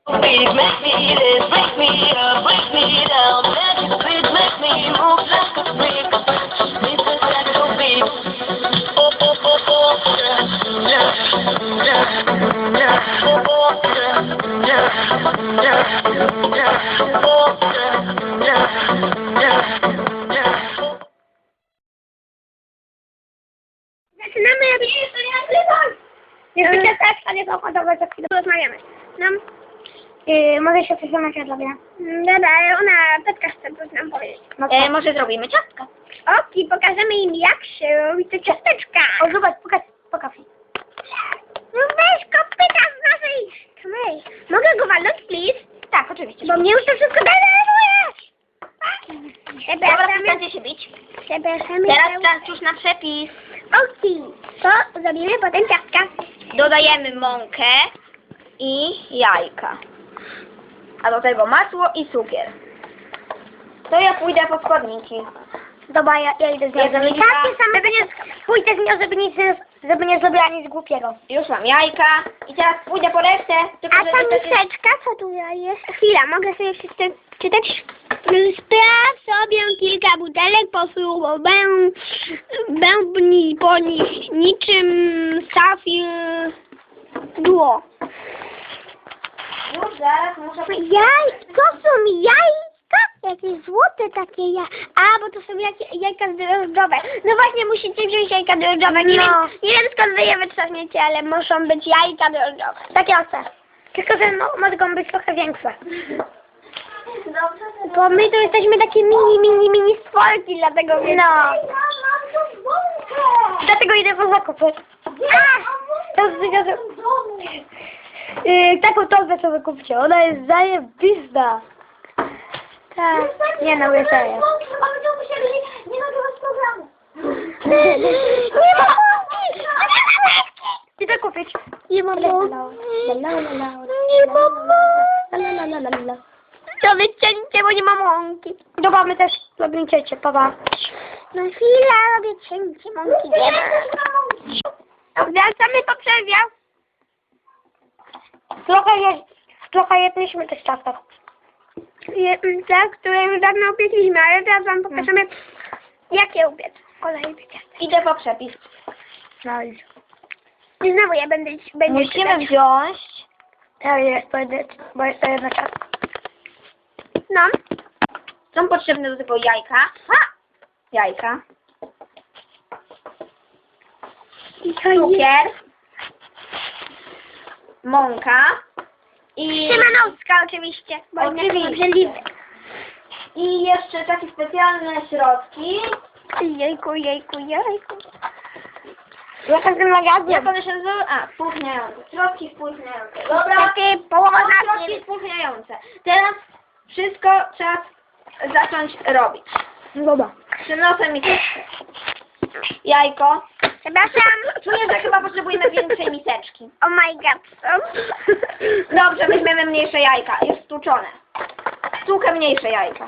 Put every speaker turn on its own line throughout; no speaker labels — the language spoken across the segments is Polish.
Make me this, break me up, break me down. Magic beat, make me move like a freak. It's a techno beat. Oh, oh, oh, oh, yeah, yeah, yeah. Oh, oh, yeah, yeah, yeah, yeah. Oh, yeah, yeah, yeah.
Zaczynamy robić jeszcze też, ale to gotowe, za chwilę porozmawiamy. No, mogę się przesunąć od lobia. Dobra, ale ona Petka chce coś nam powiedzieć.
Może zrobimy ciastka.
Oki, pokażemy im jak się robi te ciasteczka.
O, zobacz, pokaż.
No weź kopyta z naszej kamery. Mogę go walnąć, please?
Tak, oczywiście.
Bo mnie już to wszystko denerwujesz.
Dobra, przestańcie się bić.
Przepraszamy.
Teraz czas już na przepis.
Oki, to zrobimy potem ciastka.
Dodajemy mąkę i jajka. A do tego masło i cukier. To ja pójdę po składniki.
Dobra, ja idę z nią.
Jedzenie
Takie same, pójdę z nią, żeby nie zrobiła nic głupiego.
Już mam jajka i teraz pójdę po resztę. Tylko,
A ta
żeby to się-
miseczka, co tu jest? Chwila, mogę sobie czytać? Spraw sobie kilka butelek, bębni po nich niczym safir duo.
Już zaraz muszę...
To są jajka? Jakieś złote takie A, bo to są jajka drożdżowe. No właśnie, musicie wziąć jajka drożdżowe. Nie wiem skąd wy je wytrzaśniecie, ale muszą być jajka drożdżowe. Takie oce. Tylko, że mogą być trochę większe. Bo my to jesteśmy takie mini stworki, dlatego wiem. Dlatego idę po zakupy. Taką torbę sobie kupcie, ona jest zajebista. Tak, nie no, serio. Nie nagrywać programu. Nie ma mąki! Idę kupić. Nie ma mąki. Nie ma mąki. To wycięcie, bo nie ma mąki. Dobra, my też robimy cięcie, papa. No chwila, robię cięcie, mąki nie ma. Wracamy po przerwie. Trochę jedliśmy też ciastek. Tak, które już dawno upiekliśmy, ale teraz wam pokażemy, jak je upiec. Kolejny ciastek.
Idę po przepis.
No i znowu ja będę
Musimy wziąć...
bo jest to jedna ciastka. No.
Są potrzebne do tego jajka. Jajka. Cukier. Mąka. I...
Szymanowska oczywiście. Bo
Oczywiście. I jeszcze takie specjalne środki.
Jejku. Jaka ten magazyn?
Jak one się nazywają? Spłuchniające. Środki spłuchniające. Dobra.
Połowa
Środki spłuchniające. Teraz wszystko trzeba zacząć robić.
Dobra.
Przynoszę miseczkę. Jajko.
Przepraszam.
Czuję, że chyba potrzebujemy większej miseczki.
Oh my god.
Dobrze, weźmiemy mniejsze jajka. Jest stłuczone. Stłukę mniejsze jajka.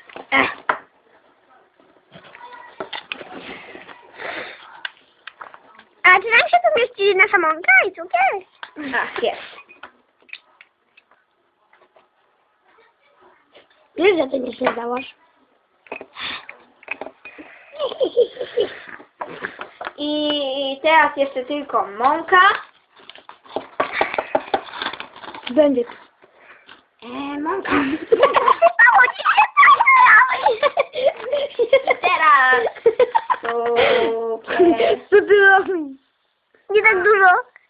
A czy nam się tu mieści nasza mąka i cukier?
Jest.
Wiesz, że ty nie śledałaś.
I teraz jeszcze tylko mąka.
Będzie.
Mąka.
Mało ci się
Teraz cukier.
Co ty robisz? Nie tak dużo.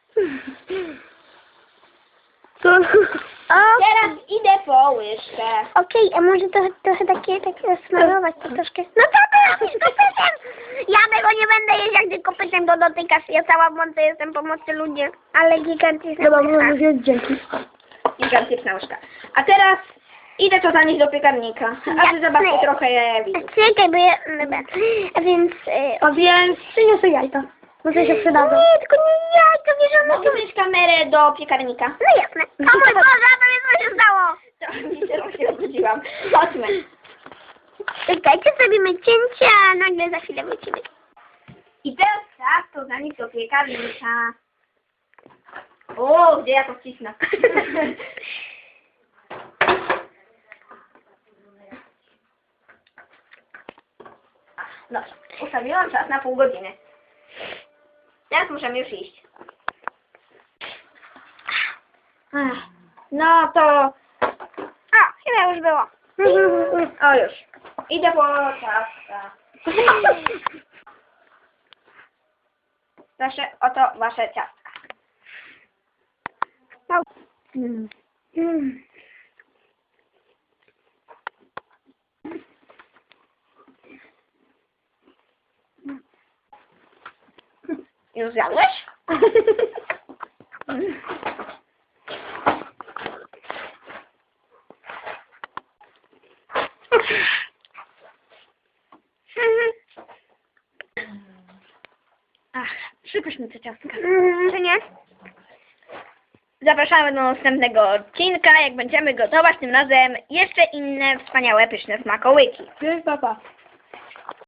Co?
Teraz idę po łyżkę.
Okej, a może trochę takie smarować to troszkę. No co ty robisz kopytem? Ja tego nie będę jeść, jak ty kopytem go dotykasz. Ja cała w mące jestem pomocy ludzie. Ale gigantyczna.
Dobra, możemy wziąć dzięki. Gigantyczna łyżka. A teraz idę to zanieść do piekarnika. A wy zobaczcie trochę jajowiców.
Czekaj, bo ja... Dobra. A więc przyniosę jajka. Może się przydadzą. Nie, tylko nie jajka, wiesz, one
Mogę wziąć kamerę do piekarnika?
No jasne. O mój Boże, a to co się stało?
To się obudziłam. Chodźmy.
Czekajcie, zrobimy cięcie, a nagle za chwilę wrócimy.
I teraz tak, to zanieść do piekarnika. O, gdzie ja to wcisnę? Dobrze, ustawiłam czas na pół godziny. Teraz możemy już iść. No to... A, chyba już było. O, już. Idę po ciastka. Proszę, oto wasze ciastka. Już zjadłeś? Ach, przypyszne te ciastka. Czy nie? Zapraszamy do następnego odcinka, jak będziemy gotować tym razem jeszcze inne wspaniałe, pyszne smakołyki.
Cześć, papa.